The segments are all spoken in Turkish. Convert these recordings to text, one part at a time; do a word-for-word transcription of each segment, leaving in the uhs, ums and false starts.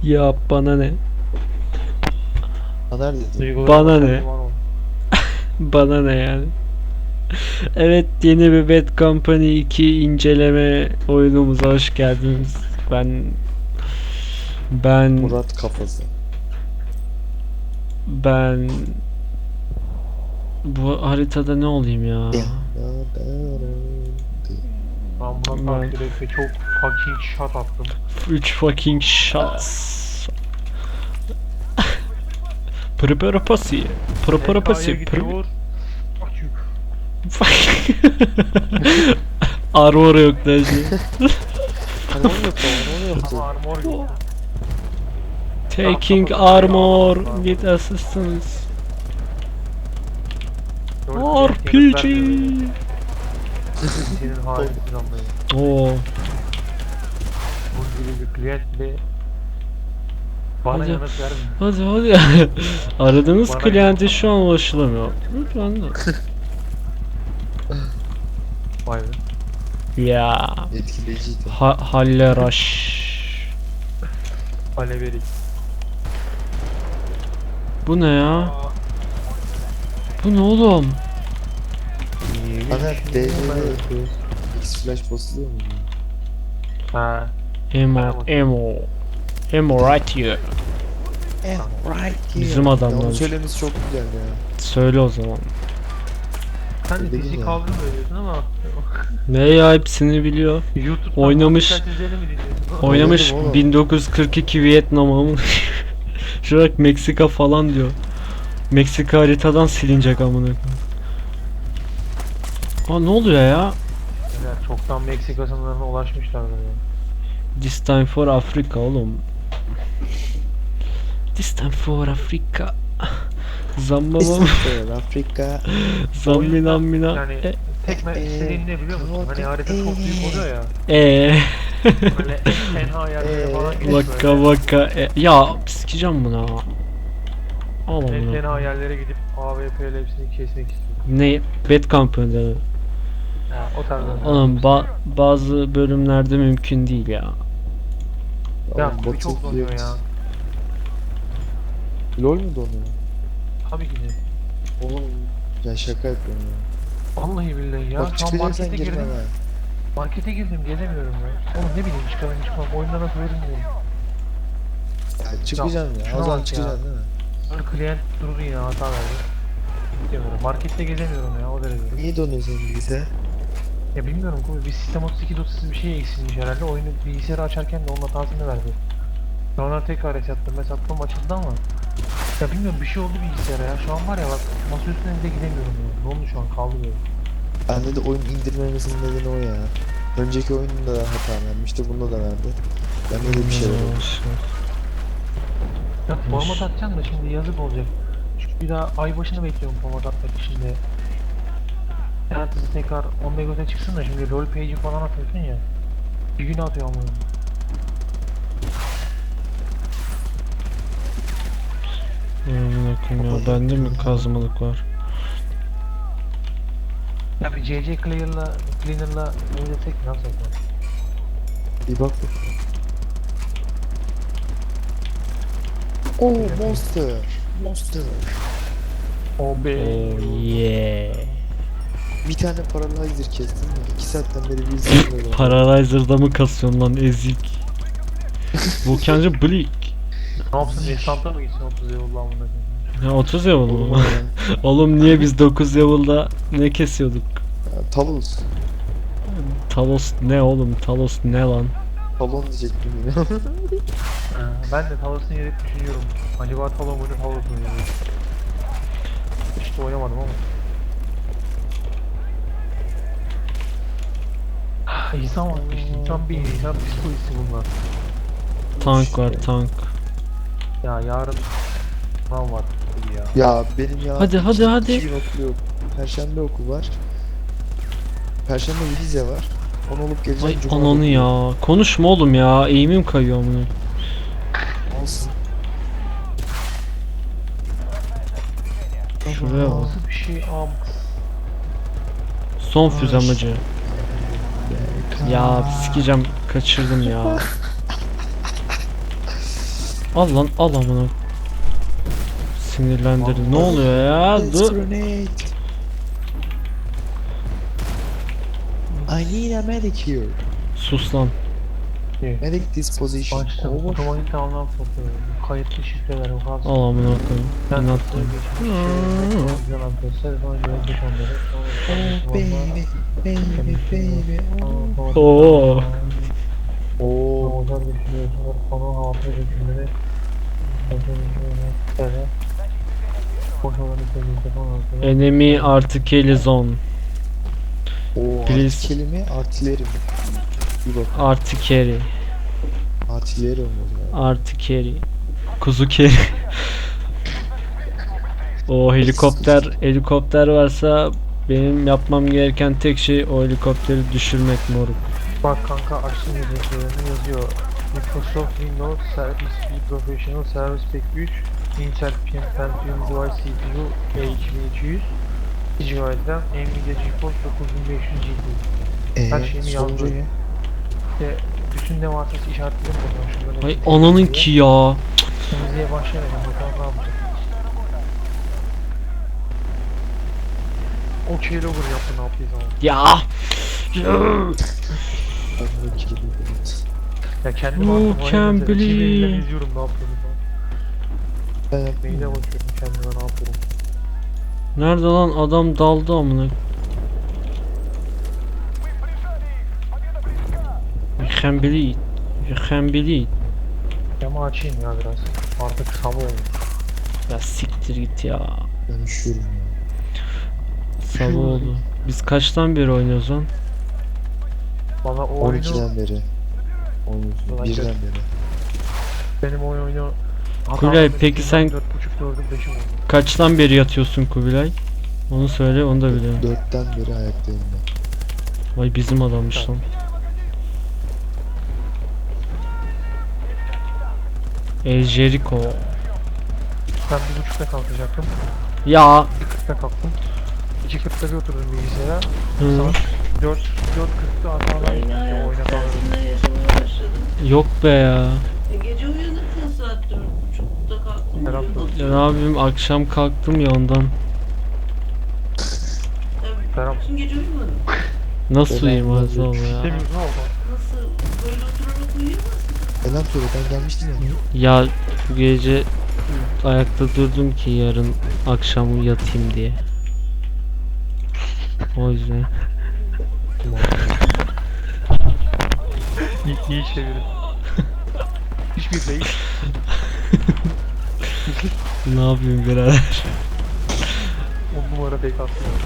Ya bana ne? Haber dedi. Bana ne? Bana ne yani? Evet, yeni bir Bad Company iki inceleme oyunumuza hoş geldiniz. Ben ben Murat kafası. ben bu haritada ne olayım ya? Ben buna Ben takdir et ve çok fucking shot attım. üç fucking shots. Prepara pasi. Prepara pasi. T K'ya gidiyor. Açık. Armor yok da şey. Armor yok da armor yoktu. Ama armor yok. Taking armor with assistance. R P G. Senin halini planlayın. Oo. Bu gibi bir klientle bana Hadi. yanıt vermiyor. Hadi hadi. Aradığınız Bana kliente şu an ulaşılamıyor. Lütfen de. Vay be. Ya. Etkileyiciydi. Ha Halleraş. Aleverik. Bu ne ya? Bu ne oğlum? Haber D C'de X flash basılıyor mu? Ha. Emo, emo. Emo right here. Right Bizim adamlar. Onu söylemesi çok güzel ya. Söyle o zaman. Sen de Değil fizik ya. kavga mı veriyorsun ama Ne ya, hepsini biliyor. YouTube'dan Oynamış. seslerini mi dinliyorsun? Oynamış oğlum. bin dokuz yüz kırk iki Vietnam'a mı? Şu bak Meksika falan diyor. Meksika haritadan silinecek amına koyayım. Aa, ne oluyor ya? Ya çoktan Meksika sınırlarına ulaşmışlardır ya. This time for Africa oğlum. This time for Africa. Zamba bam. İsrail, Afrika. Zammina mina. Yani E, tek me- istediğin ne biliyor musun? Hani harita çok büyük oluyor ya. e. Böyle en tenha yerlere falan gidip Vaka böyle. vaka. E. Ya sikeceğim buna. Al En onu. tenha yerlere gidip A W P'yle hepsini kesmek istiyor. Ne? Bad Company'de mi? Ha, o tarzda. Oğlum ba bazı bölümlerde mümkün değil ya. Ya Oğlum, bu çok donuyor ya. LOL mu donuyor? Tabii ki de. Oğlum ya şaka yapıyorum ya. Vallahi billahi ya. Bak Şu an çıkacaksan markete girme girdim. ha. Markete girdim gezemiyorum ya. Oğlum ne bileyim çıkarım çıkmam. Oyunda nasıl verilmiyor. Ya çıkacaksın ya. şuna O zaman bak ya. çıkacaksın değil mi? Böyle klient durdu yine hata verdi. Gidemiyorum. Markette gezemiyorum ya o derece. Niye donuyor senin bilgisayar? Ya bilmiyorum Kubi, bir Sistem otuz iki dosyası bir şey eksilmiş herhalde. Oyunu bilgisayarı açarken de onun hatasını verdi. Sonra tekrar resettım. Resettım açıldı ama ya bilmiyorum bir şey oldu bilgisayara ya. Şu an var ya bak masa üstüne bile gidemiyorum ya. Ne oldu şu an kaldı böyle. Bende de oyun indirmemesinin nedeni o ya. Önceki oyunda da hata vermişti, bunda da verdi. Bende de bir şey var. Ya format atacağım da şimdi yazık olacak. Çünkü bir daha ay başını bekliyorum format atmak için de. Ertesi tekrar on mego'da çıksın da şimdi rol page'i falan atıyorsun ya. Bir gün atıyor ama. Amına koyayım ya, bende mi kazmalık var? Ya bir C C Clear'la, Cleaner'la oynatsak nasıl yapalım? Bir bak bak. Oo monster. Monster. O be. Oh yeah. Bir tane paralyzer kestim mi? İki saatten beri bir izlemiyorum. Paralyzer'da mı kasıyorsun lan ezik? Volkancı Bleak. Ne yapsın? Esanta mı gitsin otuz yılda amına koyayım? Ya otuz level Oğlum mu? ya. Oğlum niye biz dokuz level'da ne kesiyorduk? Ya, Talos. Talos ne oğlum? Talos ne lan? Talon diyecektim yine. Ha, ben de Talos'un yeri düşünüyorum. Acaba Talos muydu Talos muydu? Hiç de oynamadım ama. Ah, İnsan var işte. İnsan bir insan psikolojisi bunlar. Tank var, tank. Ya yarın sınav var tabii ya. Ya benim ya. Hadi, hadi, iki- hadi. iki gün okul yok. Perşembe okul var. Perşembe vize var. Onu olup geleceğim. Ay Cuma ananı okul. ya. Konuşma oğlum ya. Eğimim kayıyor amına. Olsun. Şuraya bak. Nasıl bir şey am? Son füzemacı. Ya sikeceğim, kaçırdım ya. Al lan al amına. Sinirlendirdin. Ne oluyor ya? Let's Dur. grenade. I need a medic here. Sus lan. Medic disposition. Açtım. Over. Otomatik anlam sokuyor. Kayıtlı şifreler o kadar. Al amına koyayım. Ben İnat nasıl koyayım. geçmiş yalan göster falan göre geç onları. Oh baby, baby, baby. Oh. Oo. Oo. Özel düşünüyorsunuz. Konu hafıza hükümleri. Evet. Boş olanı sevdiğinizde falan. Enemy artillery zone. Oo. Please. Artikeli mi? Artileri mi? Bir bak. Artillery. Artileri mi oluyor? Artillery. Kuzu keri. O helikopter helikopter varsa benim yapmam gereken tek şey o helikopteri düşürmek moruk. Bak kanka açtım yazılarını yazıyor. Microsoft Windows Service B Professional Service Pack üç Intel Pentium Device C P U E iki bin iki yüz iki gigabayt RAM Nvidia GeForce dokuz bin beş yüz G P U. Her Eee şeyini sonucu yazdı. ne? İşte bütün ne varsa işaretledim buradan şunları. Ay ananın ki ya. Temizliğe başlayalım bakalım ne yapacak. O keylogger yaptı ne yaptıysa ama. Ya. Ben de kilidi biraz. Ya kendim Oh, attım can't oraya mesela. believe. Çiğneğinden izliyorum ne yaptığını falan. Ben Neyine yapmıyorum. bakıyorum kendime ne yapıyorum. Nerede lan adam daldı amına. You can believe. You can believe. Camı açayım ya biraz. Artık sabah olmuş. Ya siktir git ya. Ben üşüyorum ya. Sabah oldu. Biz kaçtan beri oynuyoruz lan? Valla o on oyunu ikiden beri. Oynuyorsun. Ulan Birden gör- beri. benim oyun oyunu Kubilay, peki sen- dört buçuk dördüm beşim oldu. Kaçtan beri yatıyorsun Kubilay? Onu söyle, onu da biliyorum. Dörtten beri ayaktayım ben. Vay bizim adammış lan. El Jericho. Ben bir buçukta kalkacaktım. Ya. Bir kırkta kalktım. İki kırkta bir oturdum bilgisayara. Hı. Saat dört dört kırkta hatalar Yeni gitti hayat oyuna kaldım. tersinde yaşamaya başladım. Yok be ya. E, gece uyanırken saat dört buçukta kalktım. Serap uyudum. da- Ya ne yapayım, akşam kalktım ya ondan. Tabii. Serap. Bütün gece uyumadım. Nasıl Ben uyuyayım anladım. Azal ya? Demiyoruz ne oldu? Nasıl? Böyle oturarak uyuyamazsın. Selam söyle ben gelmiştim ya. Ya bu gece ayakta durdum ki yarın akşam yatayım diye. O yüzden. İyi, iyi çevirin. Hiçbir değil. Ne yapayım birader? On numara fake atmıyor.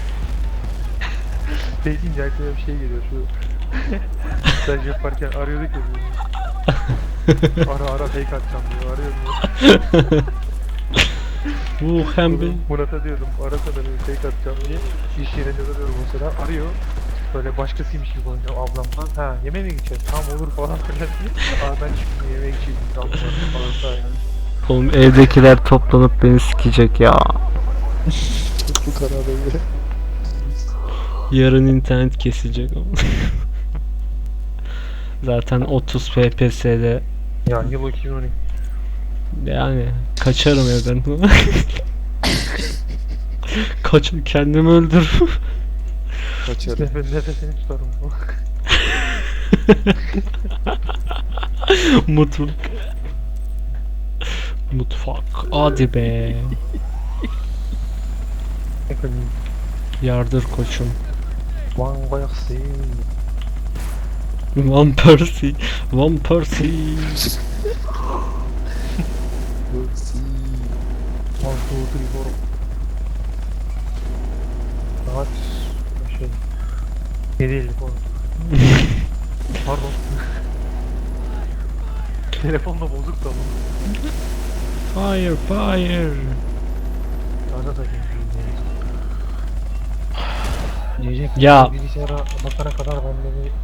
Fake deyince aklıma bir şey geliyor şu. Staj yaparken arıyorduk ya bizi. Ara ara fake atacağım diyor, arıyor diyor. Bu hem bir... Murat'a diyordum, arasana bir fake atacağım diye. İş yerinde de diyorum mesela, arıyor. Böyle başkasıymış gibi konuşuyor ablamdan. Ha yemeğe mi gideceğiz? Tamam olur falan filan diye. Aa ben şimdi yemeğe gideceğim falan falan yani. Oğlum evdekiler toplanıp beni sikecek ya. Bu karara göre. Yarın internet kesilecek ama. Zaten otuz F P S'de Ya yıl iki bin on iki. yani kaçarım evden. Kaç kendimi öldür. Kaçarım. Nefes, nefesini tutarım. Mutfak. Mutfak. Hadi be. Efendim. Yardır koçum. Van Bayaksin. Van Persie. Van Persie. Bursi. One, two, three, four. Saat şey. yedi elli falan. Pardon. Telefon da bozuk da bu. Fire fire. Gaza takayım. Diyecek Ya. bilgisayara bakana kadar ben de bir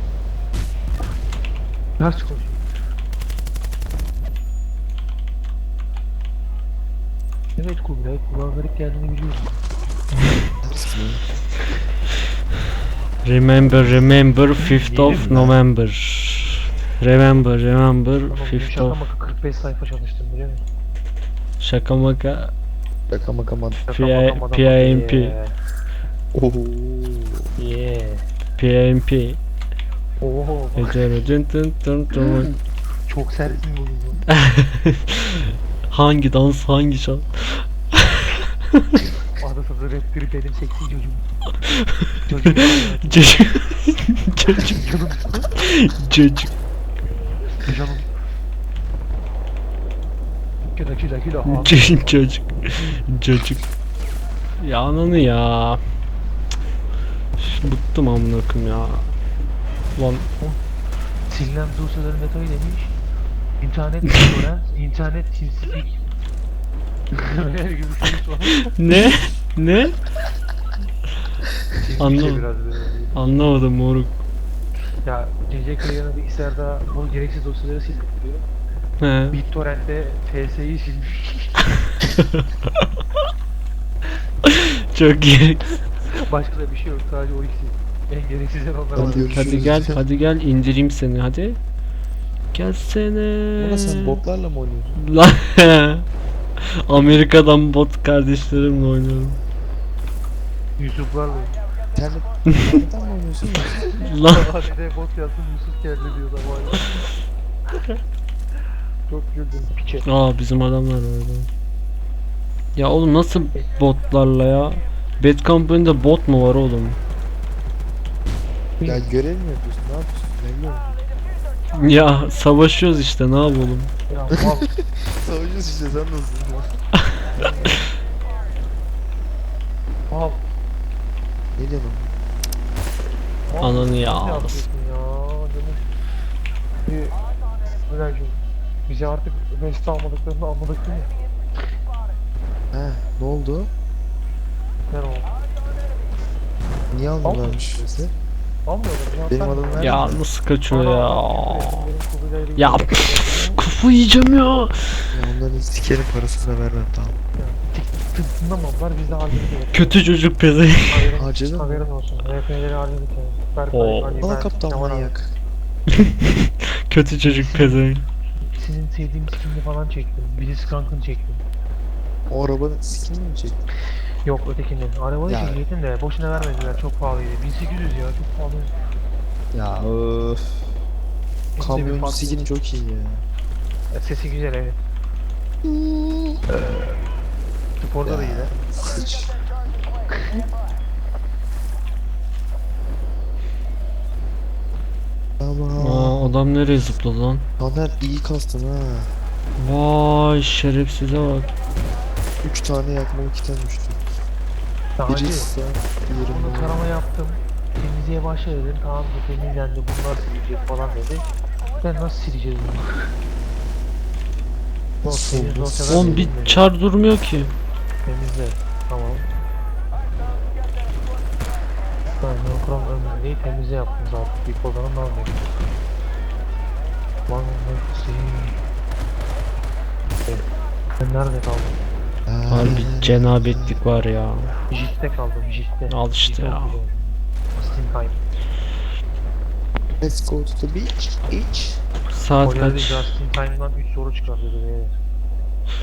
ders koşayım. Evet Kubilay, kulağa garip geldiğini biliyorum. Ders mi? Remember remember fifth of November. Remember remember Tamam, fifth şaka of maka kırk kırk beş sayfa çalıştım biliyor musun? Şaka maka. Şaka maka mad. Şaka P I- maka maka P I M P. yeah. Oho. Yeah. P M P. Oho. Ecere dın dın dın dın. Çok sertsin bugün. Hangi dans hangi şan? Arada sırada rap grip benim seksi çocuğum. Çocuğum. Çocuk. Çocuk. Canım. Çocuk. Canım. Kila kila kila. Çocuk. Çocuk. Çocuk. Ya ananı ya. Üf, bıktım amına koyayım ya. Lan Silinen dosyaların detayı demiş. İnternet torrent, internet teamspeak. Öyle gibi bir şey var. ne? Ne? Çizmiş Anlamadım. de biraz böyle. Anlamadım moruk. Ya C C Kaya'nın bilgisayarda bu gereksiz dosyaları silip diyor. He. BitTorrent'te F S'yi silmiş. Çok iyi. Başka da bir şey yok, sadece o ikisi. En gereksiz onlar var. Hadi görüşürüz. Hadi gel, hadi gel indireyim seni hadi. Gelsene. Buna sen botlarla mı oynuyorsun? Lan Amerika'dan bot kardeşlerimle oynuyorum. Yusuflarla. İnternet, internetten mi oynuyorsun ya? Lan Hadi de bot yazsın Yusuf geldi diyor da var. Çok güldüm piçe. aa bizim adamlar orada. Ya oğlum nasıl botlarla ya? Bad Company'de bot mu var oğlum? Ya görev mi yapıyorsun? Ne yapıyorsun? Ne biliyor musun? Ya savaşıyoruz işte ne yapalım? Ya mal. Savaşıyorsun işte sen nasılsın? Mal. Ne diyorsun? Mal. Ananı ya. Ne yapıyorsun ya? Canım. Bir... Ömerciğim. Bize artık West almadıklarını anladık değil mi? He ne oldu? Ne oldu? Niye almıyorlarmış bizi? Almıyorlar. Benim adamım nerede? Ya nasıl kaçıyor ya? Benim Kubilay'la Ya ilgili- pf, kafa yiyeceğim ya. Ya onların sikerim parasını vermem tamam. Tınlamadılar biz de halledik. Kötü çocuk pezevenk. Haberin, Harcadın mı? haberin olsun. R P'leri halledik yani. Berkay, Oo. Ali, Al ben, kaptan Kemal abi. manyak. Kötü çocuk pezevenk. Sizin sevdiğim skinini falan çektim. Blitzcrank'ını çektim. O arabanın skinini mi çektin? Yok ötekini. Arabayı Ya. çekecektim de boşuna vermediler. Çok pahalıydı. bin sekiz yüz ya çok pahalı. Ya öf. Hepsi bir Kamyoncu farklı. skini çok iyi ya. Sesi güzel evet. Sporda da iyi de. Sıç. Tamam. Aa adam nereye zıpladı lan? Taner iyi kastın ha. Vay şerefsize bak. üç tane yakmalı kiten düştü. Daha önce Birisi diğeri bunu bu. tarama yaptım. Temizliğe başla dedim. Tamam bu temizlendi. Bunlar silecek falan dedi. Ben nasıl sileceğiz bunu? Nasıl Temiz oldu? dosyalar Oğlum bir silinmedi. çar durmuyor ki. Temizle. Tamam. Ben Nokrom ömründeyi temizle yaptım zaten. Bir koldanın ne olmuyor? One mercy. Ben nerede kaldım? Ha. Harbi cenabetlik var ya. Jit'te kaldım, Jit'te. Al işte ya. Steam time. Let's go to the beach. Beach. Saat Hoca dedi kaç? Justin Time'dan üç soru çıkardı dedi.